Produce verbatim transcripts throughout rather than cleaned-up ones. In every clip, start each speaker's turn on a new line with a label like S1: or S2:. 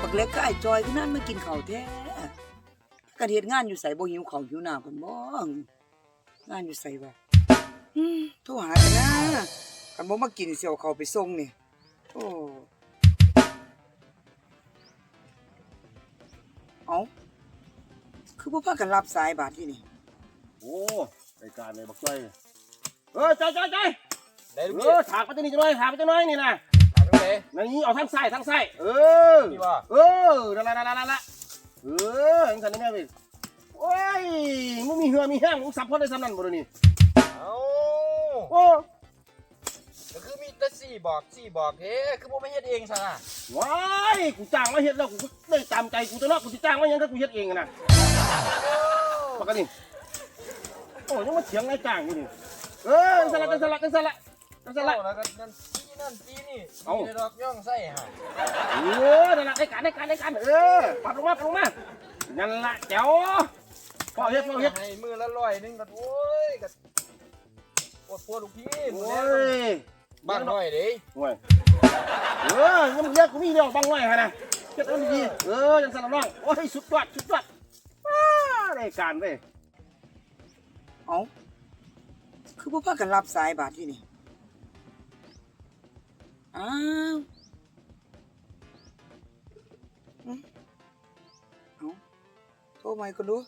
S1: บักเล็กก็ไอ้จอยที่นั่นมากินข้าวแท้กันเฮ็ดงานอยู่ไสบ่หิวข้าวหิวน้ำเพิ่นบ่งานอยู่ไสวะอืมโทรหากันนะคันบ่มากินสิเอาข้าวไปส่งนี่โอ้เอ้าคือบ่พากันรับสายบาดที่นี่
S2: โอ้รายการเลยบักจ้อยเออใจใจใจเออถากไปจะนี่จะน้อยถากไปจะน้อยนี่นะ
S3: ถากตรงไหน
S2: นี่เอาทั้งไส้ทั้งไส้เออเออนั่นละนั่นละนั่นละเออยังสันนี่แม่พี่โอ้ยมึงมีเหือมีแห้งมึงสับพอได้สำนันบ่นี่
S3: เอา
S2: โอ้
S3: ก็คือมีแต่สี่บอกสี่บอกเฮ้คือผมไม่เฮ็ดเองซะนะ
S2: ว้ายกูจ้างมาเฮ็ดแล้วกูได้ตามใจกูจะเนาะกูจะจ้างมายังก็กูเฮ็ดเองนะปกติโอ้ยังมาเถียงนายจ้างอยู่นี่เออสลัดสลัดสลัดสลัด
S3: แล้วก็นั่นตีนั่นตีนี่มีดอกย่องไส้ฮะ
S2: เออนั่นแหละได้การได้การได้การเออปัดลงมาปัดลงมานั่นแหละเจ๋วพ่อเฮ็ดพ่อเฮ็ด
S3: ให้มือละร้อยนึงก็โอ้ยก็ปวดปวดลูกพี่
S2: โอ้ย
S3: บ้างหน่อยดิ
S2: โอ้ยเออยังมึงเรียกกูมีเดียวบ้างหน่อยฮะนะเฮ็ดมันดีเออยังสลัดน้องโอ้ยสุดยอดสุดยอดว้าได้การเว้ย
S1: เอ้าคือบ่พากันรับสายบาดที่นี่อ้าวเอ้าโทรมาอีกคนดู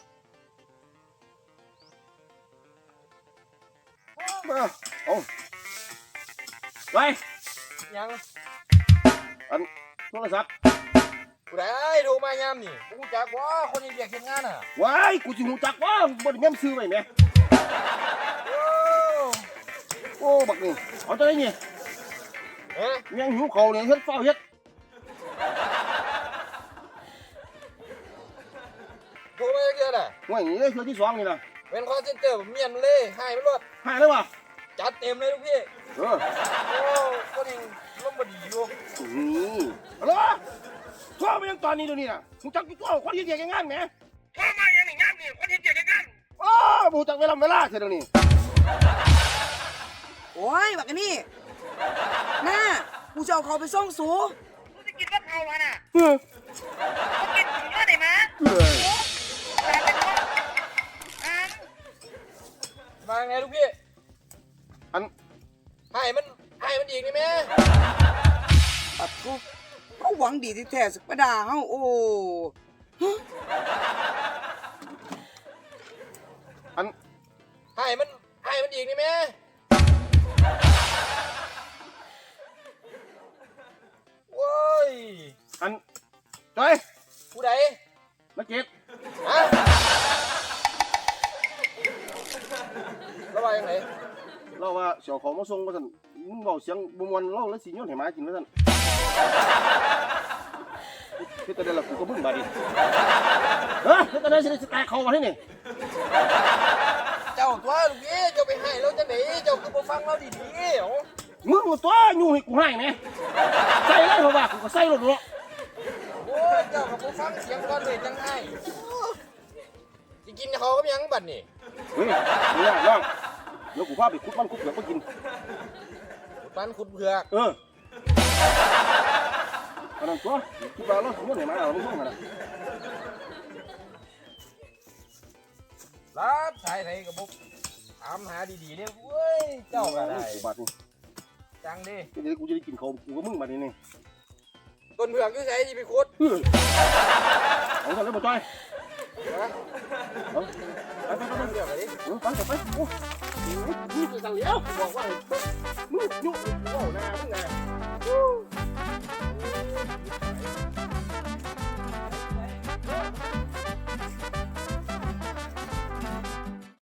S2: มาเอาไป
S3: ยัง
S2: อันโทรศัพท์
S3: กูได้ดูมายามนี่กูจักว่าคนยังเรียกเฮ็ดงานอ่ะ
S2: ว้ายกูสิหูจักว่าบ่ได้แม่นซื้อไว้แม่โอ้บักนี่เอาตัวนี้
S3: เอ๊ะ
S2: ยังหิวเขาเนี่ยเฮ็ดเฝ้าเฮ็ด
S3: โทรมาเยอะๆน่ะ
S2: ว่าอย่างนี้เลยคือที่สองนี่นะ
S3: เป็นคอลเซ็นเตอร์เมียนเลยให้มันรถ
S2: ให้เลยวะ
S3: จัดเต็มเลยลูกพี่
S2: เออ
S3: โอ้คนยังร่มบดีอยู่
S2: นี่ฮัลโหลโทรมายังตอนนี้เดี๋ยวนี้น่ะมึงจักกูตัวคนที่เกียจงานไหม
S3: โทรมาอย่างนี้งานนี่คนที่เกียจงาน
S2: โอ้บูจักเวลาเวลาเท่านี้
S1: โอ้ยบักนี่น่ากูจะเอาเขาไปส่งสู
S3: กูจะกินมะพร้าวน่ะ
S2: เออ
S3: กูกินถึงยอดได้มั้ย
S2: เออ
S3: มาไงลูกพี่
S2: อัน
S3: ให้มันให้มันอีกนี่แม่
S1: ปัดกูเขาหวังดีที่แท้สักประดาเฮาโอ้
S2: อัน
S3: ให้มันให้มันอีกนี่แม่โว้ย
S2: อันจอย
S3: ผู้ใด
S2: มาเก็บ
S3: ฮะระบายยังไง
S2: เราว่าเสี่ยวของมาส่งมาสั่นมึงบอกเสียงบมวนเราแล้วสิโยนให้หมากินมาสั่นคือตอนนี้เรากูก็บึ้งบาดิเฮ้ยคือตอนนี้สิแตกเขามาที่นี่
S3: เจ้าตัวลูกพี่เจ้าไปให้เราจะไหนเจ้าคือบ่ฟังเราดีๆ
S2: มึงตัวอยู่ให้กูให้ไหมใส่เลยเพราะว่ากูก็ใส่รถเนาะ
S3: โอ้ยเจ้ากับบ่ฟังเสียงก่อนเลยจังไงสิกินเขาก็ยังบัดนี่
S2: เฮ้ยนี่น้องเดี๋ยวกูพาไปคุดมันคุดเผือกมากิน
S3: ปันขุดเผือก
S2: เอออันนั้นตัวคิดว่าเราสมมติเห็นไหมเราไม่ส่งกันนะ
S3: รับสายไหนกับบุ๊กถามหาดีๆเนี่ยเว้ยเจ้าก็ได้
S2: บาทนี่
S3: จังดิ
S2: เดี๋ยวกูจะได้กินข้าวกูก็มึงบาทนี่นี่
S3: ต้นเผือกที่ใส่ที่ไปขุด
S2: เอาทำได้บ่จ้อยเอาไปไปไป
S3: เผือกอะไรดิ
S2: ไปไปไปโอ้ยนี่สั่งเลี้ยวบอกว่ามึง